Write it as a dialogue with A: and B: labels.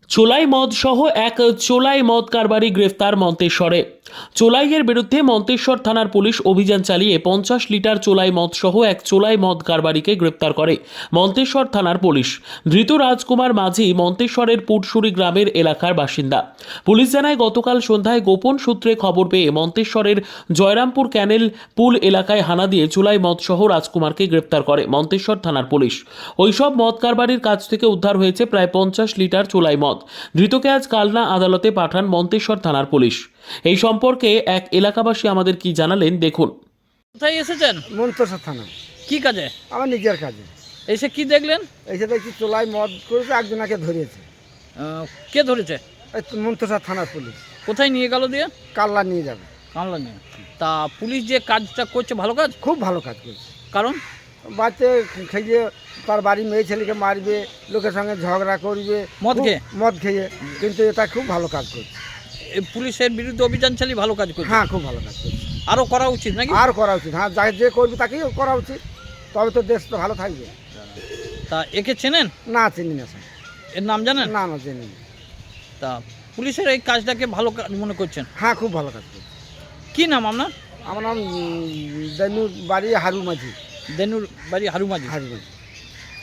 A: চোলাই মদ সহ এক চোলাই মদ কারবারি গ্রেফতার মন্তেশ্বরে। চোলাইয়ের বিরুদ্ধে মন্তেশ্বর থানার পুলিশ অভিযান চালিয়ে 50 লিটার চোলাই মদ সহ এক চোলাই মদ কারবারিকে গ্রেফতার করে মন্তেশ্বর থানার পুলিশ। ধৃত রাজকুমার মাঝি মন্তেশ্বরের পুটসুরি গ্রামের এলাকার বাসিন্দা। পুলিশ জানায় গতকাল সন্ধ্যায় গোপন সূত্রে খবর পেয়ে মন্তেশ্বরের জয়রামপুর ক্যানেল পুল এলাকায় হানা দিয়ে চোলাই মদ সহ রাজকুমারকে গ্রেফতার করে মন্তেশ্বর থানার পুলিশ। ওইসব মদ কারবারির কাছ থেকে উদ্ধার হয়েছে প্রায় 50 লিটার চোলাই মদ। ধৃতকে আজ কালনা আদালতে পাঠান মন্তেশ্বর থানার পুলিশ। এই সম্পর্কে এক এলাকাবাসী আমাদের কি জানালেন দেখুন।
B: কোথায় এসেছেন?
C: মন্তেশ্বর থানা।
B: কি কাজে?
C: আমার নিজের কাজে।
B: এসে কি দেখলেন?
C: এসে দেখছি চোলাই মদ করেছে, একজনকে ধরিয়েছে।
B: কে ধরেছে?
C: এই তো মন্তেশ্বর থানার পুলিশ।
B: কোথায় নিয়ে গেল দিয়ে?
C: কাল্লা নিয়ে যাবে।
B: কামলা নিয়ে। তা পুলিশ যে কাজটা করছে ভালো কাজ?
C: খুব ভালো কাজ করছে।
B: কারণ
C: বাচ্চা খেয়ে তার বাড়ি মেয়ে ছেলেকে মারবে, লোকের সঙ্গে ঝগড়া করবে
B: মদ খেয়ে?
C: মদ খেয়ে, কিন্তু এটা খুব ভালো কাজ করছে।
B: এই পুলিশের বিরুদ্ধে অভিযান চালিয়ে ভালো কাজ করছে।
C: হ্যাঁ, খুব ভালো কাজ করছে।
B: আরও করা উচিত নাকি?
C: আর করা উচিত। হ্যাঁ, যে করবে তাকেই করা উচিত, তবে তো দেশ তো ভালো থাকবে।
B: তা একে চেনেন?
C: না, চিনি না স্যার।
B: এর নাম জানেন?
C: না, চিনি না।
B: তা পুলিশের এই কাজটাকে ভালো কাজ মনে করছেন?
C: হ্যাঁ, খুব ভালো কাজ করছে।
B: কি নাম আপনার?
C: আমার নাম দেনুর বাড়ি হারু মাঝি।
B: দেনুর বাড়ি হারুমাঝি।
C: হারু মাঝি।